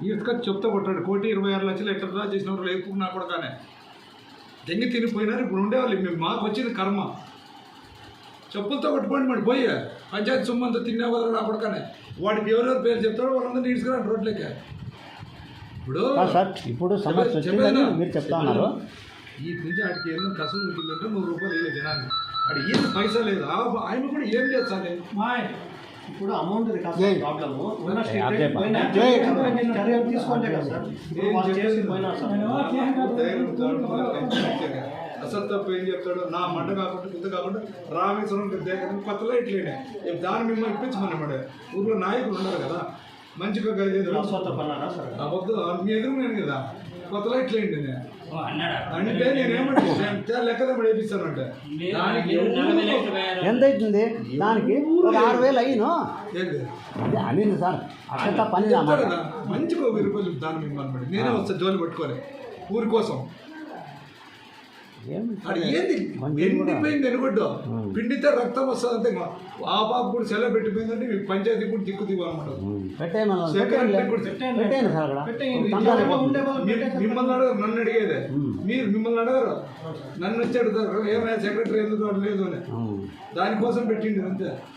ఈడ్చుకొచ్చి చెప్తా కొట్టాడు 1,26,00,000 ఎట్లా డ్రా చేసిన వాళ్ళు లేపు నా కూడా కానీ దెంగి తినిపోయినారు. ఇప్పుడు ఉండేవాళ్ళు మేము మాకు వచ్చింది కర్మ. చెప్పులతో కొట్టుకోండి మరి పోయి పంచాయతీ సొమ్మంతా తినే వాళ్ళు నా కూడా కానీ వాడికి ఎవరెవరు పేరు చెప్తారో వాళ్ళందరూ ఈడ్చుకురాడు రోడ్లకి. ఇప్పుడు సమస్య వచ్చిందని మీరు చెప్తా ఉన్నారు. ఈ నుంచి ఆడికి ఏదో కసం ఉంటుందంటే 100 రూపాయలు వేయలేదు జనాన్ని. ఆడు ఏం పైసా లేదు. ఆయన కూడా ఏం చేస్తాను ఇప్పుడు అమౌంట్ ప్రాబ్లము తీసుకోండి కదా సార్. అసలు తప్పు ఏం చెప్తాడు నా మంట కాకుండా గుద్ద కాకుండా రామేశ్వరం దగ్గర కొత్తలో ఇట్లేనే దాన్ని మిమ్మల్ని ఇప్పించమన్నమాట. ఊర్లో నాయకులు ఉన్నారు కదా మంచిగా వద్దు మీ ఎదురు నేను కదా కొత్తలో ఇట్లేండి నేను అంటే నేనేమంటే లెక్కద వేపిస్తానంటే ఎంత అవుతుంది దానికి 6,000 అయ్యిను అనింది సార్. అట్లా పని మంచిగా 1,000 రూపాయలు దాని మిమ్మల్ని నేనే వస్తా జోలి పట్టుకొని ఊరి కోసం. ఏంది ఎండిపోయింది ఎనుగొడ్డు పిండితే రక్తం వస్తుంది అంతే. ఆ బాబు కూడా సెలవు పెట్టిపోయిందంటే మీ పంచాయతీ కూడా దిక్కు దిగనమాట. మిమ్మల్ని అడగరు నన్ను అడిగేదే. మీరు మిమ్మల్ని అడగరు నన్ను వచ్చి అడుగుతారు ఏమైనా సెక్రటరీ ఎందుకు లేదు అని. దానికోసం పెట్టింది అంతే.